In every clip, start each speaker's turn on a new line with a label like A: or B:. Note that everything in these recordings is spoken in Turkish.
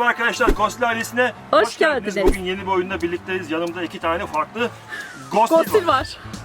A: arkadaşlar, Ghostil ailesine
B: Hoş geldiniz.
A: Bugün yeni bir oyunda birlikteyiz. Yanımda 2 tane farklı Ghostil
B: Ghostil
A: var.
B: var.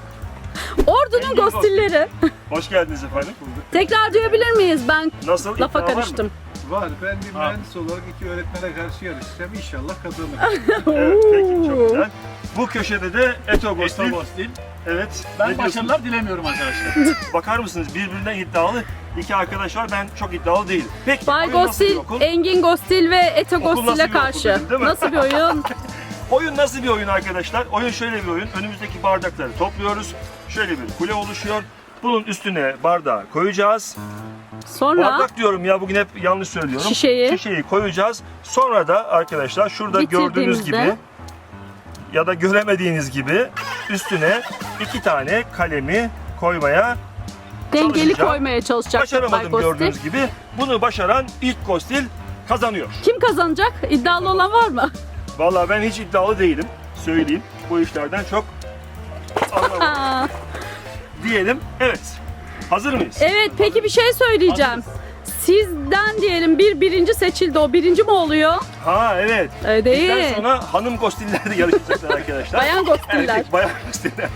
B: Ordunun
A: Engin
B: Ghostilleri.
A: Hoş geldiniz efendim.
B: Tekrar duyabilir miyiz? Ben
A: Nasıl?
B: lafa
A: İddia var mı?
B: karıştım.
C: Var. Ben bir mühendis olarak iki öğretmene karşı yarışacağım. İnşallah kazanırım.
A: Evet, peki, çok güzel. Bu köşede de Eto Ghostil.
D: Ghostil.
A: Evet.
D: Ben
A: ne diyorsunuz?
D: başarılar dilemiyorum arkadaşlar.
A: Bakar mısınız? Birbirinden iddialı iki arkadaş var. Ben çok iddialı değilim. Peki,
B: Bay
A: oyun nasıl bir
B: Ghostil,
A: okul?
B: Engin Ghostil ve Eto
A: Okul nasıl bir
B: Ghostil'e
A: okul
B: karşı.
A: dedin, değil mi?
B: Nasıl bir oyun?
A: Oyun nasıl bir oyun arkadaşlar? Oyun şöyle bir oyun. Önümüzdeki bardakları topluyoruz. Şöyle bir kule oluşuyor. Bunun üstüne bardağı koyacağız.
B: Sonra
A: Bardak diyorum ya, bugün hep yanlış söylüyorum.
B: Şişeyi.
A: Koyacağız. Sonra da arkadaşlar şurada gördüğünüz
B: Bitirdiğimizde-
A: gibi ya da göremediğiniz gibi üstüne 2 tane kalemi koymaya
B: dengeli
A: çalışacağım.
B: koymaya çalışacak Bay
A: başaramadım
B: Ghostil.
A: gördüğünüz gibi. Bunu başaran ilk Ghostil kazanıyor.
B: Kim kazanacak? İddialı olan var mı?
A: Vallahi ben hiç iddialı değilim. Söyleyeyim. Bu işlerden çok anlamam
B: Aa,
A: diyelim. Evet. Hazır mıyız?
B: evet, peki bir şey söyleyeceğim. Sizden diyelim bir birinci seçildi. O birinci mi oluyor?
A: Ha, evet.
B: Değil.
A: Bizden sonra hanım Ghostiller de yarışacaklar arkadaşlar.
B: Bayan Ghostiller.
A: Erkek, bayan Ghostiller.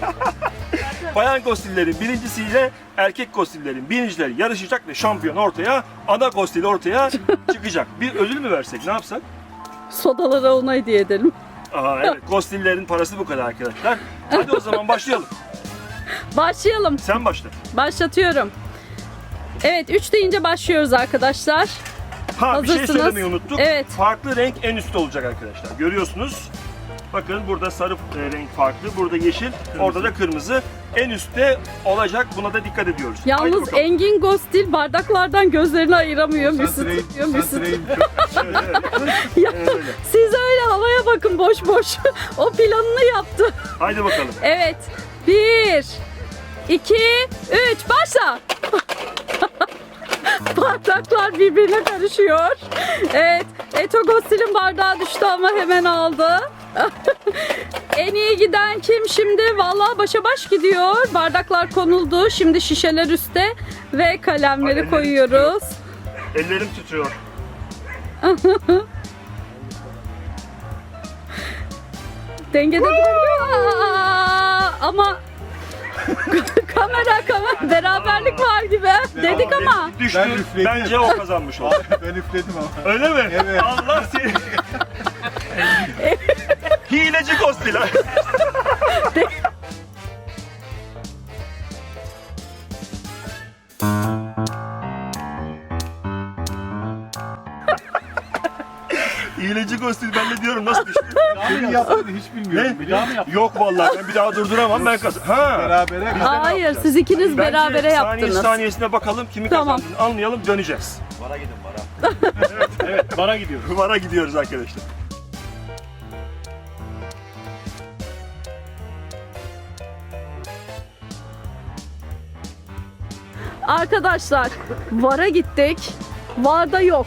A: Bayan Ghostillerin birincisiyle erkek Ghostillerin birincileri yarışacak ve şampiyon ortaya, ana Ghostil ortaya çıkacak. Bir ödül mü versek, ne yapsak?
B: Sodalara ona hediye edelim.
A: Aa, evet, Ghostillerin parası bu kadar arkadaşlar. Hadi o zaman başlayalım.
B: Başlayalım.
A: Sen başla.
B: Başlatıyorum. Evet, 3 deyince başlıyoruz arkadaşlar.
A: Ha, bir şey
B: Hazırsınız.
A: söylemeyi unuttuk.
B: Evet.
A: Farklı renk en üstte olacak arkadaşlar. Görüyorsunuz. Bakın burada sarı renk farklı, burada yeşil, orada da kırmızı. En üstte olacak. Buna da dikkat ediyoruz. Haydi
B: Yalnız
A: bakalım.
B: Engin Ghostil bardaklardan gözlerini ayıramıyor. Müsüt
C: Santrayım,
B: tutuyor, müsüt.
C: santrayım çok.
A: Evet, evet.
B: Ya,
A: Öyle.
B: siz öyle havaya bakın boş boş. O planını yaptı.
A: Haydi bakalım.
B: Evet. 1, 2, 3, başla. Bardaklar birbirine karışıyor. Evet. Eto Ghostil'in bardağı düştü ama hemen aldı. En iyi giden kim şimdi? Vallahi başa baş gidiyor. Bardaklar konuldu. Şimdi şişeler üstte ve kalemleri
A: Ellerim
B: koyuyoruz.
A: Ellerim titriyor.
B: Dengede duruyor. Ama kamera beraberlik var gibi. Dedik ama.
A: Düştü.
C: Ben üfledim.
A: Bence o kazanmış oldu.
C: Ben üfledim ama.
A: Öyle mi?
C: Evet.
A: Allah seni. Hileci Ghostil. Hileci Ghostil, ben de diyorum nasıl düştü?
C: Senin yaptığını hiç bilmiyorum.
A: Ne?
D: Bir daha mı yaptın?
A: Yok vallahi, ben bir daha durduramam, ben kazan. Ha.
C: Berabere biz de ne
B: Hayır,
C: yapacağız?
B: siz ikiniz
A: Bence
B: berabere
A: saniye
B: yaptınız.
A: saniyesine bakalım, kimi
B: Tamam.
A: kazandığını anlayalım, döneceğiz.
D: Bara gidin bara. evet, bara gidiyoruz.
A: Vara gidiyoruz arkadaşlar.
B: Arkadaşlar, VAR'a gittik. VAR'da yok.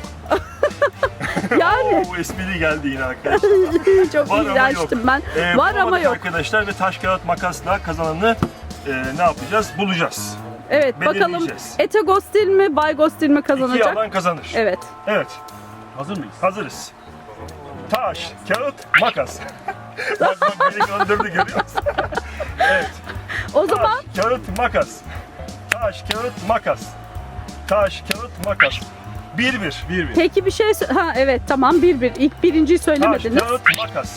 B: Yani
A: Oo, esprili geldi yine arkadaşlar.
B: çok
A: Var ama
B: iğrençtim
A: yok.
B: ben. Var ama
A: Bulamadık
B: yok.
A: arkadaşlar ve taş kağıt makasla kazananı ne yapacağız? Bulacağız.
B: Evet, bakalım
A: belirleyeceğiz.
B: Eto Ghostil mi, Bay Ghostil mi
A: İki
B: kazanacak?
A: yalan kazanır.
B: Evet.
A: Evet,
D: Hazır mıyız?
A: hazırız. Taş, kağıt, makas. bak beni kandırdı, görüyor musun? Evet.
B: O zaman
A: Taş, kağıt, makas. Taş, kağıt, makas. Taş, kağıt, makas. 1-1. 1-1.
B: peki bir şey ha evet tamam 1-1. İlk birinciyi
A: Taş,
B: söylemediniz.
A: kağıt, makas.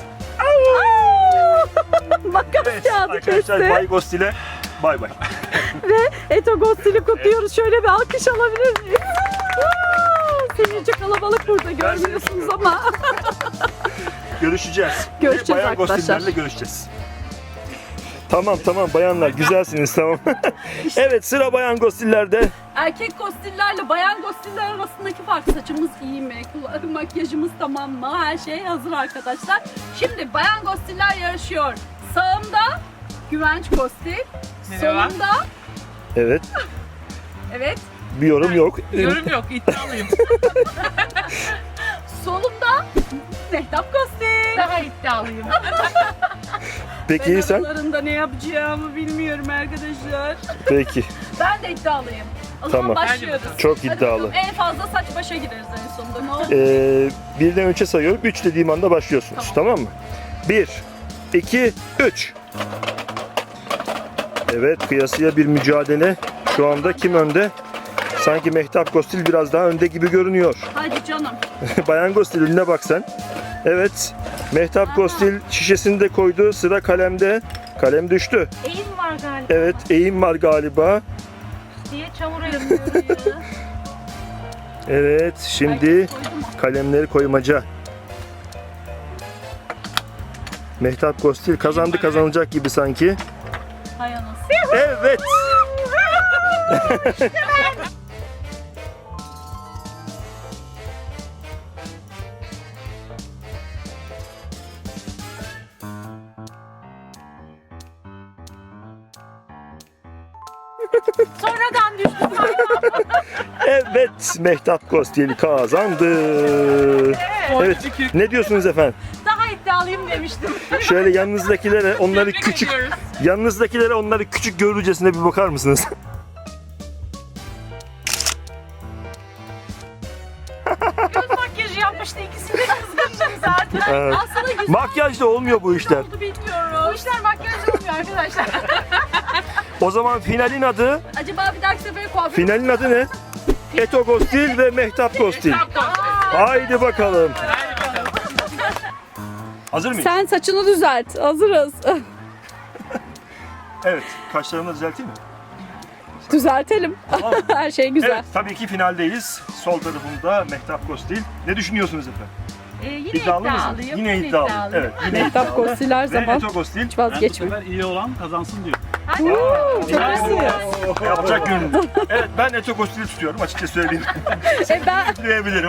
B: Makas
A: Evet
B: kağıdı
A: arkadaşlar,
B: kesti.
A: Bay Ghostil'e bay bay.
B: Ve Eto Ghostil'i kutluyoruz. Şöyle bir alkış alabilir miyiz? Senince kalabalık burada görmüyorsunuz ama.
A: Görüşeceğiz.
B: Görüşeceğiz
A: Bayan
B: arkadaşlar.
A: Ghostil'lerle görüşeceğiz. Tamam bayanlar, güzelsiniz, tamam. Evet, sıra Bayan Ghostil'lerde.
B: Erkek Ghostil'lerle bayan Ghostil'ler arasındaki fark, saçımız iyi mi? Makyajımız tamam mı? Her şey hazır arkadaşlar. Şimdi bayan Ghostil'ler yarışıyor. Sağımda Güvenç Ghostil. Solumda
A: Evet,
B: evet.
A: bir yorum yok.
E: Yorum yok, iddialıyım.
B: Solumda Mehtap Ghostil.
E: Daha iddialıyım.
A: Peki
B: Ben
A: sen?
B: aralarında ne yapacağımı bilmiyorum arkadaşlar.
A: Peki.
B: Ben de iddialıyım. O zaman
A: Tamam.
B: başlıyoruz.
A: Çok
B: Hadi
A: iddialı.
B: bakalım, en fazla saç başa gideriz en sonunda. Ne olur.
A: Birden 3'e sayıyorum. 3 dediğim anda başlıyorsunuz. Tamam mı? 1, 2, 3. Evet, kıyasıya bir mücadele. Şu anda kim önde? Sanki Mehtap Kostil biraz daha önde gibi görünüyor.
B: Hadi canım.
A: Bayan Kostil önüne bak sen. Evet. Mehtap Kostil şişesini de koydu. Sıra kalemde. Kalem düştü.
E: Eğim var galiba
A: Evet, eğim var galiba.
E: diye çamura yapıyoruz.
A: Evet, şimdi kalemleri koymaca. Mehtap Kostil kazandı, kazanacak gibi sanki.
B: Hay anasını.
A: Evet.
E: Sonradan düştüm.
A: Evet, Mehtap Kostil kazandı. Evet. Ne diyorsunuz efendim?
E: Daha iddialıyım demiştim.
A: Şöyle yanınızdakilere onları
E: Tebrik
A: küçük
E: ediyoruz.
A: yanınızdakilere onları küçük görürcesine bir bakar mısınız?
E: Göz makyajı yapmıştı. İkisini de kızgındım zaten.
A: Evet.
B: Aslında güzel
A: Makyajla olmuyor bu işler.
B: oldu bilmiyorum.
E: Bu işler makyajla olmuyor arkadaşlar.
A: O zaman finalin adı,
B: Acaba bir dahaki sefere kuaför...
A: finalin adı ne? Eto Kostil ve Mehtap Kostil. Haydi bakalım. Hazır mıyız?
B: Sen saçını düzelt. Hazırız.
A: Evet. Kaşlarımı da düzelteyim mi?
B: Düzeltelim.
A: Tamam.
B: Her şey güzel.
A: Evet, tabii ki finaldeyiz. Sol tarafımda Mehtap Kostil. Ne düşünüyorsunuz efendim?
E: Yine
A: İddialı mısınız?
E: iddialıyım.
A: Yine iddialı. Evet, yine
B: Mehtap
A: iddialı.
B: Kostil her
A: Ve
B: zaman
A: Eto Kostil.
B: hiç
D: Ben bu
B: vazgeçmiyor.
D: sefer iyi olan kazansın diyor.
B: Çok iyisin.
A: Yapacak gönül. Evet, ben Eto Kostil'i tutuyorum, açıkça söyleyeyim.
B: Ben
A: Diyebilirim.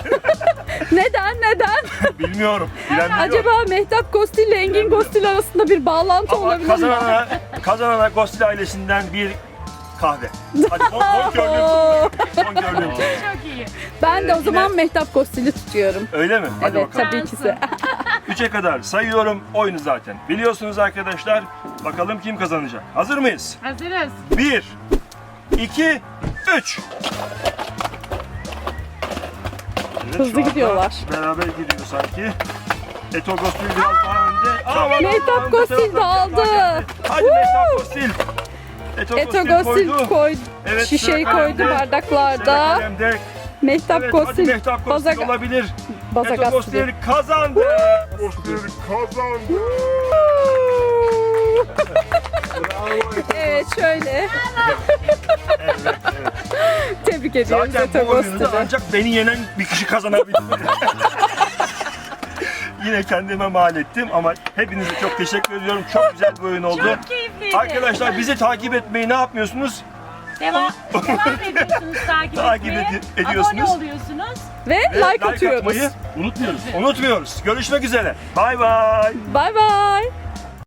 B: neden?
A: Bilmiyorum. Bilen biliyor.
B: Acaba Mehtap Kostil ile Engin Kostil arasında bir bağlantı
A: Ama
B: olabilir mi?
A: kazanana Kostil ailesinden bir kahve. Hadi bon körlüğüm.
B: Oo,
A: Bon körlüğüm.
E: Çok iyi.
B: Ben de o
A: Yine-
B: zaman Mehtap Kostil'i tutuyorum.
A: Öyle mi? Hadi
B: Evet
A: bakalım.
B: tabii ki de.
A: 3'e kadar sayıyorum. Oyunu zaten biliyorsunuz arkadaşlar. Bakalım kim kazanacak. Hazır mıyız?
E: Hazırız.
A: 1, 2, 3. Evet,
B: Hızlı
A: şu anda
B: gidiyorlar.
A: Beraber gidiyor sanki. Eto Kostil biraz daha önde. Aa,
B: Mehtap
A: önde
B: Kostil
A: tarafta
B: de
A: biraz daha
B: aldı.
A: geldi. Hadi Mehtap Kostil.
B: Eto
A: Kostil
B: Kostil
A: koydu.
B: koydu.
A: Evet,
B: Şişeyi
A: sıra
B: koydu
A: kalemde. Sıra
B: bardaklarda.
A: kalemde.
B: Mehtap
A: Evet, hadi
B: Kostil
A: Mehtap Kostil
B: bazak,
A: olabilir.
B: bazak
A: Eto
B: astı.
A: Kostil kazandı. Kostil kazandı.
B: Evet şöyle. Tebrik ediyoruz
A: Zaten
B: Eto
A: bu oyunu da
B: Kostil'i.
A: ancak beni yenen bir kişi kazanabilir. Yine kendime mal ettim ama hepinize çok teşekkür ediyorum. Çok güzel bir oyun oldu.
E: Çok keyifliydi.
A: Arkadaşlar bizi takip etmeyi ne yapmıyorsunuz?
E: Devam ediyorsunuz takip
A: Takip
E: etmeye.
A: ediyorsunuz.
E: Abone oluyorsunuz.
B: Ve like atıyoruz.
A: atmayı
D: Unutmuyoruz.
A: unutmuyoruz. Görüşmek üzere. Bay bay.
B: Bay bay.